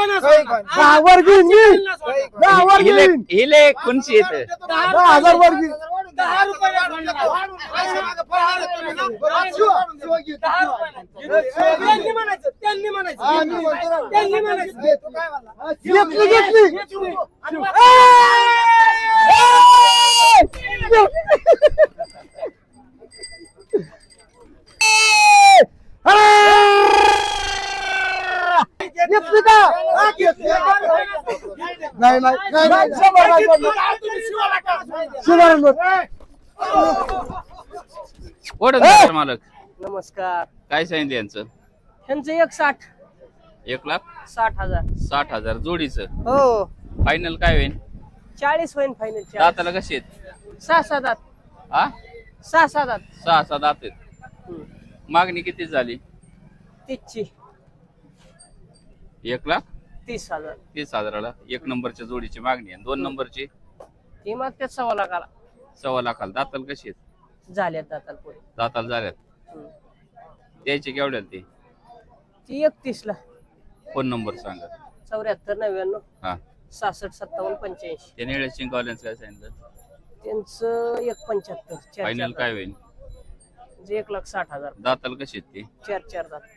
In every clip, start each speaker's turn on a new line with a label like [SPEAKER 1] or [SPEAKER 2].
[SPEAKER 1] 10 वर घेईन मी 10 वर घेईन
[SPEAKER 2] हिले कोणची येते
[SPEAKER 1] 10,000 वर घेईन
[SPEAKER 3] 10 रुपये त्यांनी म्हणायचं
[SPEAKER 1] घेतली घेतली का नाही नाही नाही शंभर नाही
[SPEAKER 2] ओढून द्या मालक.
[SPEAKER 4] नमस्कार.
[SPEAKER 2] काय सांगितलं यांचं?
[SPEAKER 4] ह्यांचं 160
[SPEAKER 2] 1,60,000
[SPEAKER 4] 60,000
[SPEAKER 2] जोडीचं.
[SPEAKER 4] हो.
[SPEAKER 2] फायनल काय होईल?
[SPEAKER 4] 40 होईल फायनल.
[SPEAKER 2] दाताला कशी आहेत?
[SPEAKER 4] 6-7 दात.
[SPEAKER 2] हा
[SPEAKER 4] 6-7 दात.
[SPEAKER 2] 6-6 दात आहेत. मागणी किती झाली?
[SPEAKER 4] 30ची
[SPEAKER 2] 1,30,000
[SPEAKER 4] 30,000.
[SPEAKER 2] एक नंबरच्या जोडीची मागणी आहे. 2 नंबरची
[SPEAKER 4] ती मग त्या 1.25 लाखाला
[SPEAKER 2] 1.25 लाखाला. दाताला कशी आहेत?
[SPEAKER 4] झाल्यात दाताला पुढे.
[SPEAKER 2] दाताला झाल्यात. द्यायची केवढ्याला ती?
[SPEAKER 4] ती 31ला.
[SPEAKER 2] फोन नंबर सांगा.
[SPEAKER 4] 74
[SPEAKER 2] हा
[SPEAKER 4] 99 66 57 85.
[SPEAKER 2] ते निळे शिंगावल्यांचं काय सांगितलं?
[SPEAKER 4] त्यांचं 175.
[SPEAKER 2] फायनल काय होईल?
[SPEAKER 4] 1,60,000.
[SPEAKER 2] दाताला कशी आहेत ती?
[SPEAKER 4] 4 दात.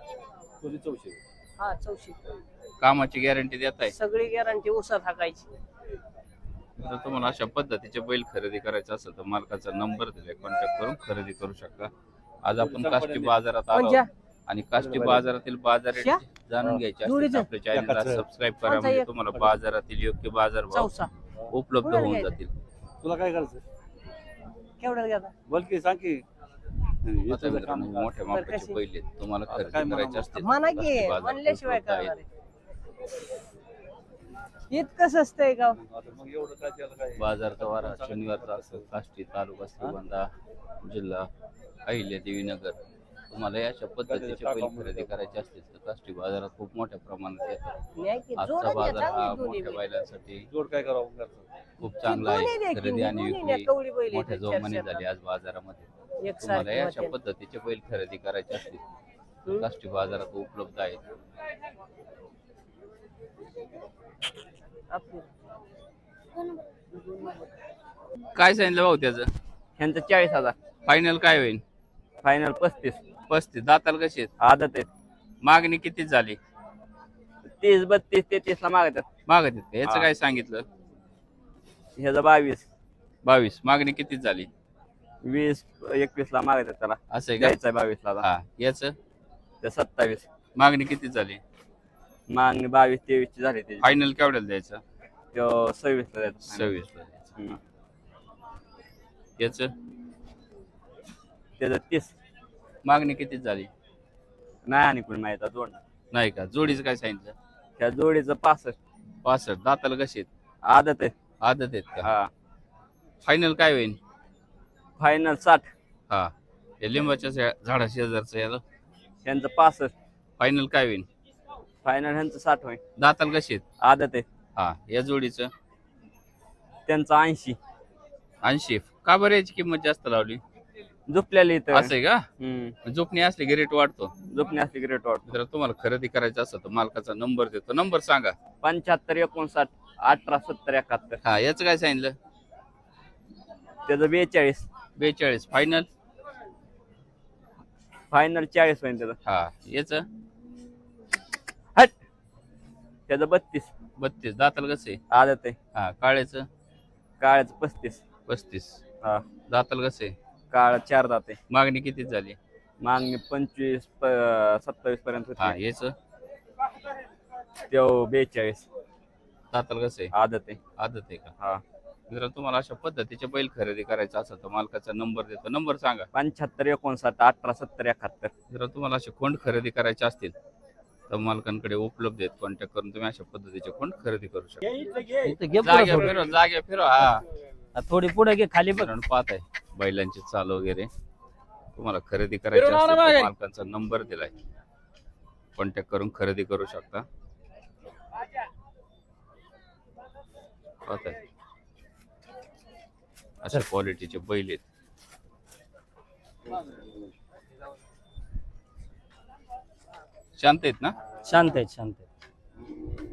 [SPEAKER 4] हा 84.
[SPEAKER 2] कामाची गॅरंटी देत आहे?
[SPEAKER 4] सगळी गॅरंटी उसात हाकायची.
[SPEAKER 2] जर तुम्हाला अशा पद्धतीचे बैल खरेदी करायचे असेल तर मालकाचा नंबर दिलाय, कॉन्टॅक्ट करून खरेदी करू शकता. आज आपण काष्टी बाजारात आलो आणि काष्टी बाजारातील बाजार रेट जाणून घ्यायचे असतील तर आपल्या चॅनलला सबस्क्राईब करा, म्हणजे तुम्हाला बाजारातील योग्य बाजार भाव उपलब्ध होऊन जातील.
[SPEAKER 1] तुला काय करायचं
[SPEAKER 4] केवढ्याला घेता?
[SPEAKER 1] बोल की सांग की
[SPEAKER 2] आता मित्रांनो, मोठ्या मापाचे बैल आहेत, तुम्हाला खरेदी करायचे असतील
[SPEAKER 4] म्हणा की
[SPEAKER 2] काष्टी बाजारात
[SPEAKER 4] म्हणल्याशिवाय
[SPEAKER 2] उपलब्ध आहेत.
[SPEAKER 4] करणार आहे. इतकं स्वस्त आहे का?
[SPEAKER 1] मग एवढं काय त्याला काय
[SPEAKER 2] बाजारचा वारा शनिवारचा असतो. काष्टी तालुका श्रीगोंदा जिल्हा अहिल्यादेवी नगर. तुम्हाला अशा पद्धतीचे बैल खरेदी करायचे असतील तर काष्टी बाजारात खूप मोठ्या प्रमाणात येतात.
[SPEAKER 4] नाही की
[SPEAKER 2] आजचा
[SPEAKER 4] जोडून
[SPEAKER 2] बाजार
[SPEAKER 4] घ्या,
[SPEAKER 2] हा
[SPEAKER 4] चांगली दोन्ही
[SPEAKER 2] मोठ्या
[SPEAKER 4] बी.
[SPEAKER 2] बैलांसाठी
[SPEAKER 1] जोड काय करावं
[SPEAKER 2] खूप चांगला
[SPEAKER 4] दोन्ही
[SPEAKER 2] आहे.
[SPEAKER 4] द्या की,
[SPEAKER 2] खरेदी आणि
[SPEAKER 4] दोन्ही द्या,
[SPEAKER 2] विक्री
[SPEAKER 4] कवडी बैल
[SPEAKER 2] मोठ्या
[SPEAKER 4] आहेत,
[SPEAKER 2] जोमाने
[SPEAKER 4] चार-चार
[SPEAKER 2] झाली आज बाजारामध्ये.
[SPEAKER 4] एकसारखी
[SPEAKER 2] तुम्हाला अशा
[SPEAKER 4] होते.
[SPEAKER 2] पद्धतीचे बैल खरेदी करायचे असतील तर काष्टी बाजारात उपलब्ध आहेत.
[SPEAKER 4] आपली.
[SPEAKER 2] काय सांगितलं भाऊ त्याचं?
[SPEAKER 4] ह्यांचं 40,000.
[SPEAKER 2] फायनल काय होईल?
[SPEAKER 4] फायनल 35.
[SPEAKER 2] 35. दाताला कशी आहेत?
[SPEAKER 4] आदत आहेत.
[SPEAKER 2] मागणी किती झाली?
[SPEAKER 4] 30 32 33 ला मागतात.
[SPEAKER 2] मागत आहेत का? याचं काय सांगितलं?
[SPEAKER 4] ह्याचं 22
[SPEAKER 2] 22. मागणी किती झाली?
[SPEAKER 4] 20 21 ला मागतात त्याला.
[SPEAKER 2] असं आहे का?
[SPEAKER 4] द्यायचं 22 ला.
[SPEAKER 2] हा. याचं
[SPEAKER 4] ते 27.
[SPEAKER 2] मागणी किती झाली?
[SPEAKER 4] मागणी 22 23 ची झाली त्याची.
[SPEAKER 2] फायनल केवढ्याला द्यायचं?
[SPEAKER 4] तो 26 ला द्यायचा.
[SPEAKER 2] 26 ला द्यायचं. याचं
[SPEAKER 4] त्याचं 30.
[SPEAKER 2] मागणी किती झाली?
[SPEAKER 4] नाही आणि कोणी माहिती जोड.
[SPEAKER 2] नाही का? जोडीचं काय सांगितलं?
[SPEAKER 4] त्या जोडीचं 65.
[SPEAKER 2] 65. दाताला कशी आहेत?
[SPEAKER 4] आदत आहे.
[SPEAKER 2] आदत आहेत का?
[SPEAKER 4] हा.
[SPEAKER 2] फायनल काय होईल?
[SPEAKER 4] फायनल 60.
[SPEAKER 2] हा. हे लिंबाच्या झाडा शेजारचं याला
[SPEAKER 4] त्यांचं 65.
[SPEAKER 2] फायनल काय होईल?
[SPEAKER 4] फायनल ह्यांचं 60 होईल.
[SPEAKER 2] दाताला कशी आहेत?
[SPEAKER 4] आदत आहे.
[SPEAKER 2] हा. या जोडीचं
[SPEAKER 4] त्यांचं 80.
[SPEAKER 2] 80. का बरं याची किंमत जास्त लावली?
[SPEAKER 4] झोपलेली इथं.
[SPEAKER 2] असं आहे का? झोपणी असली की रेट वाढतो.
[SPEAKER 4] झोपणी असली ग्रेट वाटतो.
[SPEAKER 2] जर तुम्हाला खरेदी करायचं असेल तर मालकाचा नंबर देतो. नंबर सांगा.
[SPEAKER 4] 75 59 18 70 71.
[SPEAKER 2] हा. याचं काय सांगितलं?
[SPEAKER 4] त्याचं 42.
[SPEAKER 2] 42. फायनल
[SPEAKER 4] फायनल 40 होईल त्याचं.
[SPEAKER 2] हा. याचं
[SPEAKER 4] हट. त्याचं 32.
[SPEAKER 2] 32. दाताला कसं आहे?
[SPEAKER 4] आदत आहे.
[SPEAKER 2] हा. काळ्याचं
[SPEAKER 4] काळ्याचं 35.
[SPEAKER 2] 35.
[SPEAKER 4] हा.
[SPEAKER 2] दाताला कसं आहे?
[SPEAKER 4] काळ 4 दात आहे.
[SPEAKER 2] मागणी किती झाली?
[SPEAKER 4] मागणी 25 27 पर्यंत
[SPEAKER 2] हा.
[SPEAKER 4] होती.
[SPEAKER 2] याचं
[SPEAKER 4] त्यो 42.
[SPEAKER 2] दाताला कसं आहे?
[SPEAKER 4] आदत आहे.
[SPEAKER 2] आदत आहे का?
[SPEAKER 4] हा.
[SPEAKER 2] जर तुम्हाला अशा पद्धतीचे बैल खरेदी करायचा असेल तर मालकाचा नंबर देतो. नंबर सांगा.
[SPEAKER 4] 75 59 18 70 71.
[SPEAKER 2] जर तुम्हाला असे खोंड खरेदी करायचे असतील तर मालकांकडे उपलब्ध आहेत. कॉन्टॅक्ट करून तुम्ही अशा पद्धतीचे खोंड खरेदी करू शकता. जागे फिरो. हा.
[SPEAKER 4] थोडी पुढे घे खाली बघ.
[SPEAKER 2] पाहत आहे बैलांची चाल वगैरे. तुम्हाला खरेदी करायची असेल तर मालकांचा नंबर दिलाय, कॉन्टॅक्ट करून खरेदी करू शकता. पाहत आहे अशा क्वालिटीचे बैल आहेत. शांत आहेत ना?
[SPEAKER 4] शांत आहेत शांत आहेत.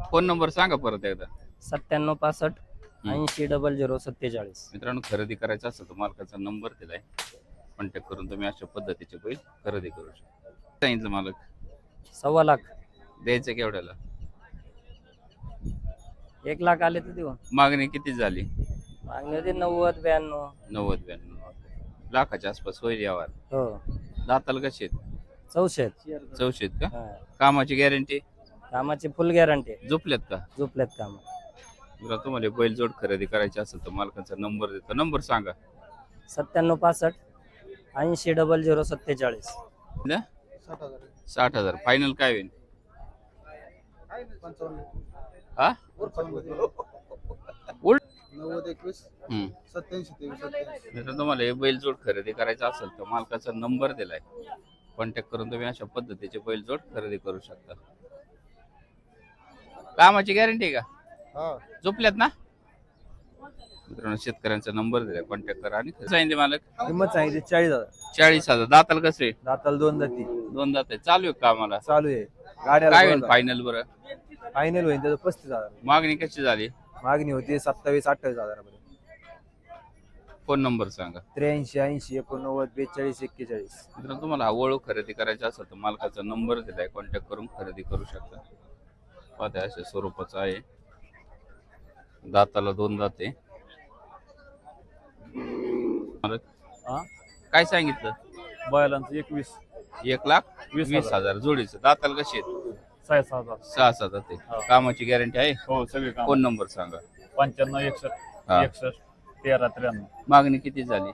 [SPEAKER 2] फोन नंबर सांगा परत एकदा.
[SPEAKER 4] 9765 800047.
[SPEAKER 2] मित्रांनो, खरेदी करायचं असेल तर मालकाचा नंबर दिलाय, कॉन्टॅक्ट करून तुम्ही अशा पद्धतीचे बैल खरेदी करू शकता. सांगितलं मालक
[SPEAKER 4] 1.25 लाख.
[SPEAKER 2] द्यायचं केवढ्याला?
[SPEAKER 4] 1 लाख आले तर देऊ.
[SPEAKER 2] मागणी किती झाली?
[SPEAKER 4] मागणी होती 90 92.
[SPEAKER 2] 90-92 लाखाच्या आसपास होईल यावर.
[SPEAKER 4] हो.
[SPEAKER 2] दाताला कसे आहेत?
[SPEAKER 4] 64.
[SPEAKER 2] 64 का?
[SPEAKER 4] हा.
[SPEAKER 2] कामाची गॅरंटी?
[SPEAKER 4] कामाची फुल गॅरंटी.
[SPEAKER 2] झोपल्यात का?
[SPEAKER 4] झोपल्यात काम.
[SPEAKER 2] जर तुम्हाला बैलजोड खरेदी करायची असेल तर मालकाचा नंबर देतो. नंबर सांगा.
[SPEAKER 4] 9765 800047.
[SPEAKER 2] 60,000 फायनल काय होईल? हा?
[SPEAKER 3] 90-21
[SPEAKER 2] हम्म.
[SPEAKER 3] 87-23
[SPEAKER 2] जर तुम्हाला हे बैलजोड खरेदी करायचा असेल तर मालकाचा नंबर दिलाय, कॉन्टॅक्ट करून तुम्ही अशा पद्धतीचे बैलजोड खरेदी करू शकता. कामाची गॅरंटी का?
[SPEAKER 3] हा.
[SPEAKER 2] झोपल्यात ना? मित्रांनो, शेतकऱ्यांचा नंबर दिलाय, कॉन्टॅक्ट करा. आणि सांगितले मालक
[SPEAKER 1] किंमत सांगितली 40,000.
[SPEAKER 2] 40,000. दाताल कसे?
[SPEAKER 1] दाताला 2 दाती
[SPEAKER 2] 2 दात आहे. चालू आहे कामाला.
[SPEAKER 1] चालू आहे. गाड्याला
[SPEAKER 2] काय होईल फायनल बरं?
[SPEAKER 1] फायनल होईल त्याचं 35,000.
[SPEAKER 2] मागणी कशी झाली?
[SPEAKER 1] मागणी होती 27-28,000 पर्यंत.
[SPEAKER 2] फोन नंबर सांगा.
[SPEAKER 1] 83 80 89 42 41.
[SPEAKER 2] मित्रांनो, तुम्हाला आवळू खरेदी करायची असेल तर मालकाचा नंबर दिलाय, कॉन्टॅक्ट करून खरेदी करू शकता. पाहता अशा स्वरूपाचा आहे. दाताला 2 दात आहे. काय सांगितलं?
[SPEAKER 5] बैलांचं 21
[SPEAKER 2] 1,20,000 जोडीचं. दाताला कशी आहेत?
[SPEAKER 5] 6,000.
[SPEAKER 2] 6 दात आहे. कामाची गॅरंटी आहे?
[SPEAKER 5] हो सगळे काम.
[SPEAKER 2] फोन नंबर सांगा.
[SPEAKER 5] 95 61
[SPEAKER 2] हा.
[SPEAKER 5] 61 13 93
[SPEAKER 2] मागणी किती झाली?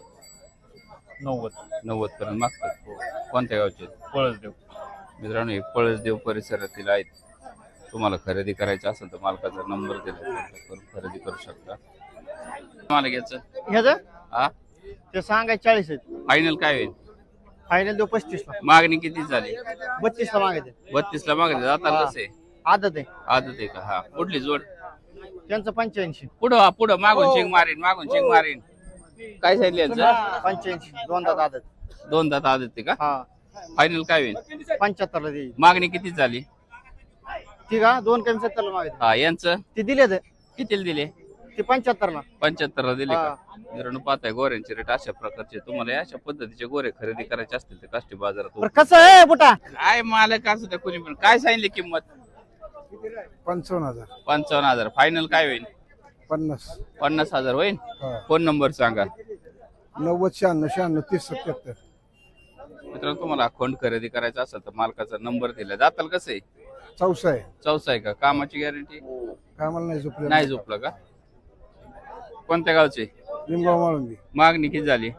[SPEAKER 5] 90
[SPEAKER 2] 90 पर्यंत मागतात. कोणत्या गावचे?
[SPEAKER 5] पळसदेव.
[SPEAKER 2] मित्रांनो, हे पळसदेव परिसरातील आहेत. तुम्हाला खरेदी करायची असेल तर मालकाचा नंबर दिला, कॉन्टॅक्ट करून खरेदी करू शकता. मला घ्यायचं
[SPEAKER 3] ह्याचं
[SPEAKER 2] हा?
[SPEAKER 3] ते सांगायचे 40 आहेत.
[SPEAKER 2] फायनल काय होईल?
[SPEAKER 3] फायनल देऊ 35 ला.
[SPEAKER 2] मागणी किती झाली?
[SPEAKER 3] 32 ला मागायचे.
[SPEAKER 2] 32 ला मागणी. दाताला कसे?
[SPEAKER 3] आदत आहे
[SPEAKER 2] आदत आहे का? हा. कुठली जोड?
[SPEAKER 3] त्यांचं 85.
[SPEAKER 2] पुढं मागून शिंग मारीन. काय सांगितलं यांचं?
[SPEAKER 3] 85 2 दात आदत.
[SPEAKER 2] 2 दात आदत आहे का?
[SPEAKER 3] हा.
[SPEAKER 2] फायनल काय होईल?
[SPEAKER 3] 75 ला देईल.
[SPEAKER 2] मागणी किती झाली?
[SPEAKER 3] ठीक आहे 2 कमी 70 ला मागायचे.
[SPEAKER 2] हा. यांचं
[SPEAKER 3] ते दिले
[SPEAKER 2] कितीला दिले?
[SPEAKER 3] ते 75 ला.
[SPEAKER 2] 75 ला दिले का? मित्रांनो, पाहताय गोऱ्यांचे रेट अशा प्रकारचे. तुम्हाला अशा पद्धतीचे गोरे खरेदी करायचे असतील तर काष्टी बाजारात
[SPEAKER 3] बरं कसं आहे बुटा?
[SPEAKER 2] काय मालक असू द्या कोणी पण. काय सांगितली किंमत?
[SPEAKER 3] 55,000.
[SPEAKER 2] 55,000. फायनल काय होईल?
[SPEAKER 3] 50.
[SPEAKER 2] 50,000 होईल.
[SPEAKER 3] हा.
[SPEAKER 2] फोन नंबर सांगा.
[SPEAKER 3] 90 96 96 30 77.
[SPEAKER 2] मित्रांनो, तुम्हाला अकाउंट खरेदी करायचा असेल तर मालकाचा नंबर दिला. दाताल कसं आहे?
[SPEAKER 3] 64 आहे.
[SPEAKER 2] चौसा आहे का? कामाची गॅरंटी?
[SPEAKER 3] कामाला नाही झोपले.
[SPEAKER 2] नाही झोपलं का? कोणत्या गावचे?
[SPEAKER 3] लिंगाव माळुंगी.
[SPEAKER 2] मागणी किती झाली?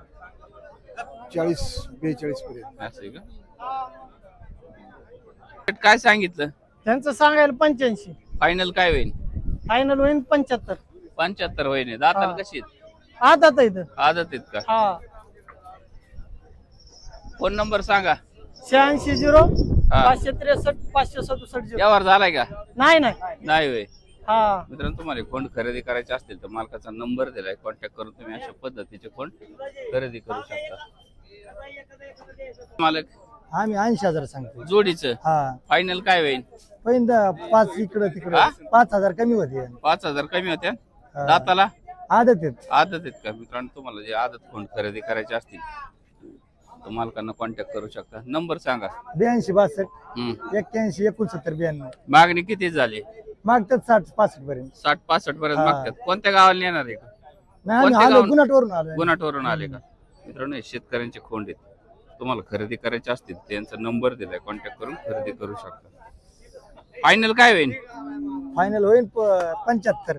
[SPEAKER 3] 40-42 पर्यंत.
[SPEAKER 2] असं आहे का? काय सांगितलं?
[SPEAKER 3] त्यांचं सांगायला 85.
[SPEAKER 2] फायनल काय होईल?
[SPEAKER 3] फायनल होईल 75.
[SPEAKER 2] 75 होईल. दाताल
[SPEAKER 3] हा.
[SPEAKER 2] कशी आहेत?
[SPEAKER 3] आदत आहे इथं.
[SPEAKER 2] आदत आहेत का?
[SPEAKER 3] हा.
[SPEAKER 2] फोन नंबर सांगा.
[SPEAKER 3] 86
[SPEAKER 2] हा.
[SPEAKER 3] 563 567.
[SPEAKER 2] यावर झालाय का?
[SPEAKER 3] नाही
[SPEAKER 2] नाही होय.
[SPEAKER 3] हा.
[SPEAKER 2] मित्रांनो, तुम्हाला कोण खरेदी करायचे असतील तर मालकाचा नंबर दिलाय, कॉन्टॅक्ट करून तुम्ही अशा पद्धतीचे कोण खरेदी करू शकता. मालक
[SPEAKER 3] आम्ही 80,000 सांगतो.
[SPEAKER 2] जोडीचं
[SPEAKER 3] हा.
[SPEAKER 2] फायनल काय होईल?
[SPEAKER 3] पहिल्यांदा 5 इकडं तिकडं
[SPEAKER 2] हा?
[SPEAKER 3] 5,000 कमी होते.
[SPEAKER 2] 5,000 कमी होत्या.
[SPEAKER 3] हा.
[SPEAKER 2] दाताला
[SPEAKER 3] आदत आहेत.
[SPEAKER 2] आदत आहेत का? मित्रांनो, तुम्हाला जे आदत कोण खरेदी करायचे असतील तर मालकांना कॉन्टॅक्ट करू शकता. नंबर सांगा.
[SPEAKER 3] 82 62
[SPEAKER 2] हम्म.
[SPEAKER 3] 81 69 92.
[SPEAKER 2] मागणी किती झाली?
[SPEAKER 3] मागतात 60 65 पर्यंत.
[SPEAKER 2] 60-65 पर्यंत
[SPEAKER 3] हा.
[SPEAKER 2] मागतात. कोणत्या गावाला येणार आहे का?
[SPEAKER 3] नाही आम्ही
[SPEAKER 2] कोणत्या
[SPEAKER 3] आलो
[SPEAKER 2] गावाला?
[SPEAKER 3] गुन्हाटवरून आलो.
[SPEAKER 2] गुन्हाटवरून आले का? मित्रांनो, हे शेतकऱ्यांचे खोंड आहेत. तुम्हाला खरेदी करायचे असतील त्यांचा नंबर दिलाय, कॉन्टॅक्ट करून खरेदी करू शकता. फायनल काय होईल?
[SPEAKER 3] फायनल होईल 75.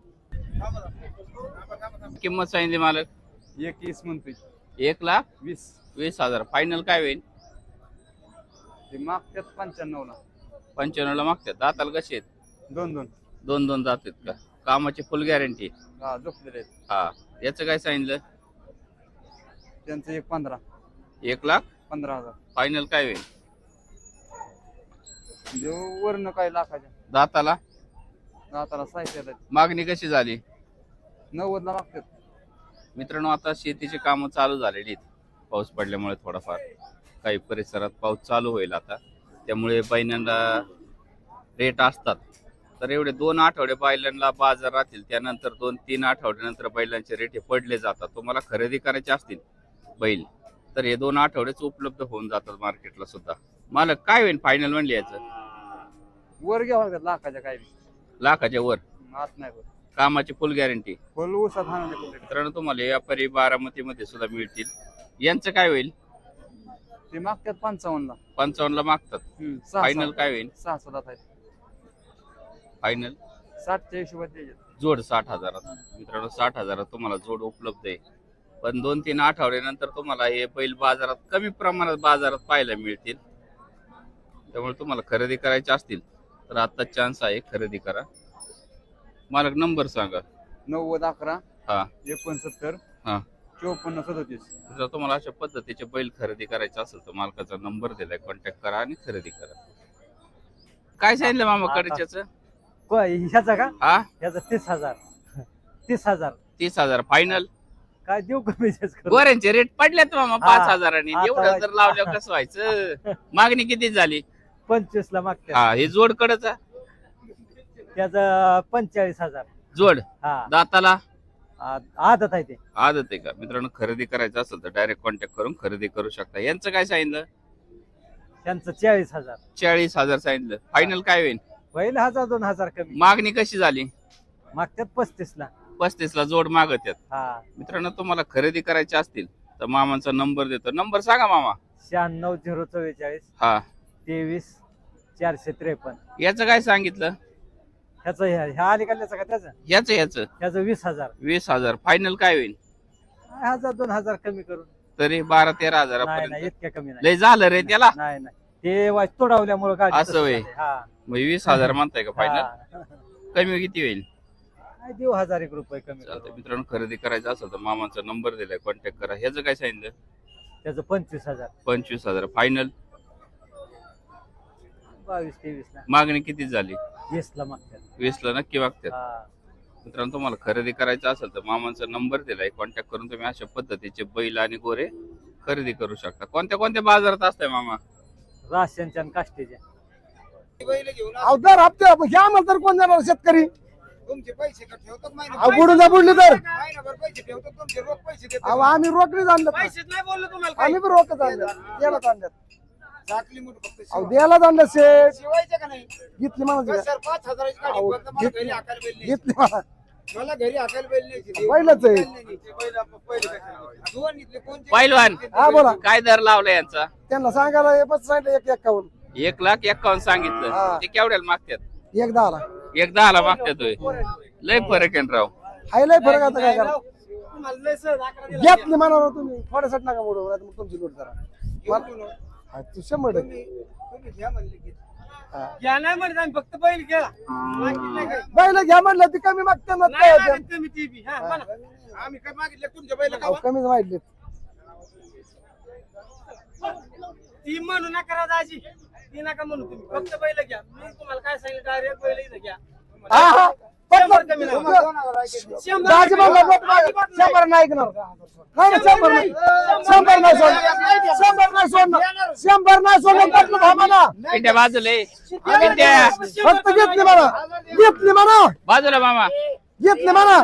[SPEAKER 2] किंमत सांगितली मालक?
[SPEAKER 5] 21 म्हणतोय.
[SPEAKER 2] 1,20,000. फायनल काय होईल?
[SPEAKER 5] ते मागतात 95 ला.
[SPEAKER 2] 95 ला मागतात. दाताला कसे आहेत?
[SPEAKER 5] 2
[SPEAKER 2] 2 दात आहेत का? कामाची फुल गॅरंटी?
[SPEAKER 5] हा झोपलेले आहेत.
[SPEAKER 2] हा. याचं काय सांगितलं?
[SPEAKER 5] त्यांचं 1.15
[SPEAKER 2] 1,15,000. फायनल काय होईल?
[SPEAKER 5] देऊ वरनं काय लाखाच्या.
[SPEAKER 2] दाताला
[SPEAKER 5] दाताला 60
[SPEAKER 2] मागणी कशी झाली?
[SPEAKER 5] 90 ला मागतात.
[SPEAKER 2] मित्रांनो, आता शेतीची कामं चालू झालेली आहेत. पाऊस पडल्यामुळे थोडाफार काही परिसरात पाऊस चालू होईल आता, त्यामुळे बैलांना रेट असतात. तर एवढे 2 आठवडे बैलांना बाजार राहतील, त्यानंतर 2-3 आठवड्यानंतर बैलांचे रेट हे पडले जातात. तुम्हाला खरेदी करायचे असतील बैल तर हे 2 आठवडेच उपलब्ध होऊन जातात मार्केटला सुद्धा. मालक काय होईल फायनल म्हणले याचं?
[SPEAKER 5] वर घ्यावं लागतात लाखाच्या काय बी.
[SPEAKER 2] लाखाच्या वर,
[SPEAKER 5] आत नाही वर.
[SPEAKER 2] कामाची फुल गॅरंटी.
[SPEAKER 5] फुल ऊसात हाणून
[SPEAKER 2] मित्रांनो तुम्हाला व्यापारी बारामतीमध्ये सुद्धा मिळतील. यांचं काय होईल?
[SPEAKER 5] ते मागतात 55 ला.
[SPEAKER 2] 55 ला मागतात. फायनल काय होईल?
[SPEAKER 5] 6 7 आहेत.
[SPEAKER 2] फायनल
[SPEAKER 5] 60च्या हिशोबात द्यायचे.
[SPEAKER 2] जोड 60,000. मित्रांनो 60,000 तुम्हाला जोड उपलब्ध आहे. पण 2-3 आठवड्यानंतर तुम्हाला हे बैल बाजारात कमी प्रमाणात बाजारात पाहायला मिळतील. त्यामुळे तुम्हाला खरेदी करायचे असतील तर आता चान्स आहे, खरेदी करा. मालक नंबर सांगा.
[SPEAKER 5] 90 11
[SPEAKER 2] हा
[SPEAKER 5] 69
[SPEAKER 2] हा
[SPEAKER 5] 54 37.
[SPEAKER 2] जर तुम्हाला अशा पद्धतीचे बैल खरेदी करायचे असेल तर मालकाचा नंबर दिलाय, कॉन्टॅक्ट करा आणि खरेदी करा. काय सांगितलं मामा कडच्याचं?
[SPEAKER 3] ह्याचा का?
[SPEAKER 2] हा
[SPEAKER 3] ह्याचा 30,000. 30,000
[SPEAKER 2] 30,000 फायनल.
[SPEAKER 3] काय देऊ कमी
[SPEAKER 2] गोऱ्यांचे रेट पडलेत मामा
[SPEAKER 3] हा.
[SPEAKER 2] 5,000.
[SPEAKER 3] आता
[SPEAKER 2] एवढं जर लावल्यावर कसं व्हायचं? मागणी किती झाली?
[SPEAKER 3] 25 ला मागते.
[SPEAKER 2] हा हे जोड कडचा
[SPEAKER 3] त्याचा 45,000.
[SPEAKER 2] जोड
[SPEAKER 3] हा
[SPEAKER 2] दाताला
[SPEAKER 3] आदत आहे ते.
[SPEAKER 2] आदत आहे का? मित्रांनो खरेदी करायचं असेल तर डायरेक्ट कॉन्टॅक्ट करून खरेदी करू शकता. यांचं काय सांगितलं?
[SPEAKER 3] त्यांचं 40,000.
[SPEAKER 2] 40,000 सांगितलं. फायनल काय होईल?
[SPEAKER 3] होईल 1,000-2,000 कमी.
[SPEAKER 2] मागणी कशी झाली?
[SPEAKER 3] मागतात 35 ला.
[SPEAKER 2] 35 ला जोड मागत आहेत.
[SPEAKER 3] हा
[SPEAKER 2] मित्रांनो तुम्हाला खरेदी करायचे असतील तर मामांचा नंबर देतो. नंबर सांगा मामा.
[SPEAKER 3] 96
[SPEAKER 2] हा
[SPEAKER 3] 044 453.
[SPEAKER 2] याचं काय सांगितलं?
[SPEAKER 3] ह्याचं ह्या अलीकडल्याचं का त्याचं?
[SPEAKER 2] याचं
[SPEAKER 3] त्याचं 20,000.
[SPEAKER 2] 20,000. फायनल काय होईल?
[SPEAKER 3] 1,000-2,000 कमी करून.
[SPEAKER 2] तरी 12-13
[SPEAKER 3] नाही नाही
[SPEAKER 2] हजारापर्यंत.
[SPEAKER 3] इतक्या कमी नाही.
[SPEAKER 2] लय झालं रे त्याला.
[SPEAKER 3] नाही नाही ते वाच तोडावल्यामुळे गाडी
[SPEAKER 2] असं
[SPEAKER 3] तसं
[SPEAKER 2] होय.
[SPEAKER 3] झालंय. हा
[SPEAKER 2] मग 20,000 म्हणताय का फायनल?
[SPEAKER 3] हा.
[SPEAKER 2] कमी किती होईल?
[SPEAKER 3] काय देऊ 1,000 रुपये कमी
[SPEAKER 2] चालतंय.
[SPEAKER 3] करून.
[SPEAKER 2] मित्रांनो खरेदी करायचं असेल तर मामांचा नंबर दिलाय, कॉन्टॅक्ट करा. ह्याचं काय सांगितलं?
[SPEAKER 3] त्याचं 25,000.
[SPEAKER 2] 25,000 फायनल.
[SPEAKER 3] 22-23 ला.
[SPEAKER 2] मागणी किती झाली?
[SPEAKER 3] 20 ला मागतात.
[SPEAKER 2] 20 ला नक्की मागतात.
[SPEAKER 3] हा.
[SPEAKER 2] मित्रांनो तुम्हाला खरेदी करायचं असेल तर मामांचा नंबर दिलाय, कॉन्टॅक्ट करून तुम्ही अशा पद्धतीचे बैल आणि गोरे खरेदी करू शकता. कोणत्या कोणत्या बाजारात असताय मामा?
[SPEAKER 3] राशनच्या आणि काष्टीच्या.
[SPEAKER 1] अवतार हप्ते घ्या म्हणतात कोण जाणार शेतकरी?
[SPEAKER 5] तुमचे पैसे का ठेवतात
[SPEAKER 1] बुडून जा बुडली तर
[SPEAKER 5] महिनाभर पैसे ठेवतात तुमचे रोख पैसे देतात.
[SPEAKER 1] अहो आम्ही रोकडीच आणलं.
[SPEAKER 5] पैसेच नाही बोललो तुम्हाला
[SPEAKER 1] आम्ही पण रोकच आणलं. द्यायलाच आणलं.
[SPEAKER 5] झाकली मुठ फक्त
[SPEAKER 1] अहो द्यायलाच आणलं शेठ.
[SPEAKER 5] शिवायचं का नाही?
[SPEAKER 1] घेतली मला
[SPEAKER 5] सर 5,000 ची गाडी
[SPEAKER 1] अहो,
[SPEAKER 5] फक्त मला
[SPEAKER 1] घेतली.
[SPEAKER 5] घरी हाकायला बैल नाही.
[SPEAKER 1] घेतली मला.
[SPEAKER 5] मला घरी हाकायला बैल नाही.
[SPEAKER 1] बैलच आहे.
[SPEAKER 5] दोन इथले कोणते?
[SPEAKER 2] पैलवान
[SPEAKER 1] हा बोला.
[SPEAKER 2] काय दर लावला यांचा?
[SPEAKER 1] त्यांना सांगायला हे बस सांगितलं 1,51.
[SPEAKER 2] 1,51,000 सांगितलं.
[SPEAKER 1] हा.
[SPEAKER 2] ते केवढ्याला मागतात?
[SPEAKER 1] 1,10 ला.
[SPEAKER 2] 1,10 मागतात होय. लय फरक आहे ना राव.
[SPEAKER 1] हाय लय फरक आता काय करा.
[SPEAKER 5] तुम्हाला लय सहज आकडा दिला.
[SPEAKER 1] घेतली म्हणाला तुम्ही थोड्यासाठी नका मोडू, नाहीतर मग तुमची लूट करा. हा, तू 100%.
[SPEAKER 5] तुम्ही घ्या म्हणले की.
[SPEAKER 1] हा.
[SPEAKER 5] घ्या नाही म्हणत आम्ही फक्त बैल घ्या. बाकी नाही काय.
[SPEAKER 1] बैल घ्या म्हणलं ती कमी मागते ना
[SPEAKER 5] नाही
[SPEAKER 1] काय
[SPEAKER 5] मागत तुम्ही ती बी. हा, म्हणा. आम्ही काय मागितलं तुमच्या बैल
[SPEAKER 1] अहो, कमीच माहिती.
[SPEAKER 5] ती म्हणू नका राव दाजी. ती नका म्हणू तुम्ही फक्त बैल घ्या. मी तुम्हाला काय सांगितलं डायरेक्ट बैल इथं घ्या.
[SPEAKER 1] हा हा
[SPEAKER 5] शंभर कमी नाही.
[SPEAKER 1] दाजी म्हणलं लोक मागे 100 नाही ऐकणार. नाही 100 नाही. 100 नाही सोडणार. 100 नाही सोडणार. 100 नाही सोडणार. पटलं भामाला.
[SPEAKER 2] पिंट्या बाजूला ये. पिंट्या
[SPEAKER 1] फक्त घेतली म्हणा. घेतली म्हणा.
[SPEAKER 2] बाजूला मामा.
[SPEAKER 1] घेतली म्हणा.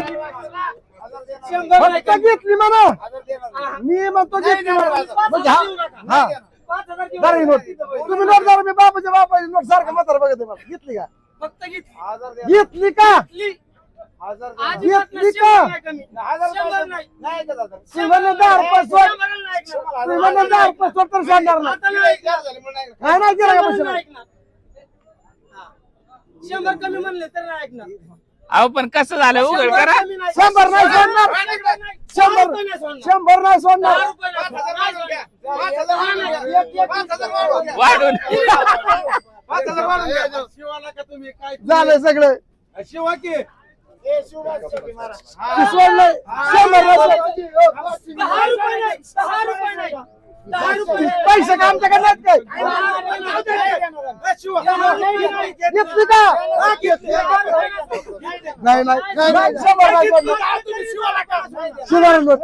[SPEAKER 1] फक्त घेतली म्हणा. मी म्हणतो घेतली म्हणा. म्हणजे हा जरा ही नोट. तुम्ही नोट जरा मी बापाच्या बापाची नोट सारखं म्हातारा बघते मला. घेतली का?
[SPEAKER 5] फक्त
[SPEAKER 1] घेतली का? घेतली का? शिवने 10 रुपये सोड. शिवने 10 रुपये सोड तर सांगणार ना. काय नाही केलं का पैसे?
[SPEAKER 5] 100 कमी म्हणले तर नाही ऐकणार.
[SPEAKER 2] अहो पण कसं झालं उघड करा.
[SPEAKER 1] 100 नाही सोडणार. 100 नाही सोडणार.
[SPEAKER 2] वाढून
[SPEAKER 1] झालंय सगळं.
[SPEAKER 5] शिवा की
[SPEAKER 1] ते सोडलंय. 100 नाही सोडणार.
[SPEAKER 5] 10 रुपये नाही. 10 रुपये नाही. 10 रुपये
[SPEAKER 1] पैसे का आमच्याकडे नाहीत काय? घेतली का? नाही नाही नाही नाही. 100 नाही सोडणार. शिवाय नोट.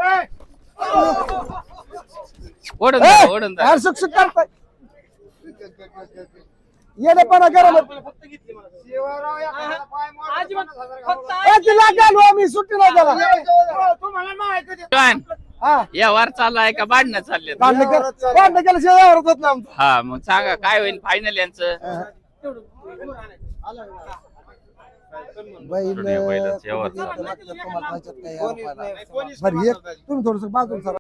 [SPEAKER 2] ओढून जा, ओढून जा.
[SPEAKER 1] यार शिक्षक करताय. येणेपणा करा मग.
[SPEAKER 5] फक्त घेतली मला. अजिबात फक्त
[SPEAKER 1] तिला घालू आम्ही सुट्टी नाही त्याला.
[SPEAKER 5] तुम्हाला माहिती आहे.
[SPEAKER 2] काय
[SPEAKER 1] हा
[SPEAKER 2] व्यवहार चालू आहे का भांडणं चालले
[SPEAKER 1] भांडण केल्याशिवाय व्यवहार होत नाही आमचा.
[SPEAKER 2] हा मग सांगा काय होईल फायनल यांचं
[SPEAKER 1] बैल
[SPEAKER 2] बैलाचं व्यवहार चालू.
[SPEAKER 1] तुम्हाला पाहिजेत काय यार पाहिजे. बरं एक तुम्ही थोडस बाजूला सरा.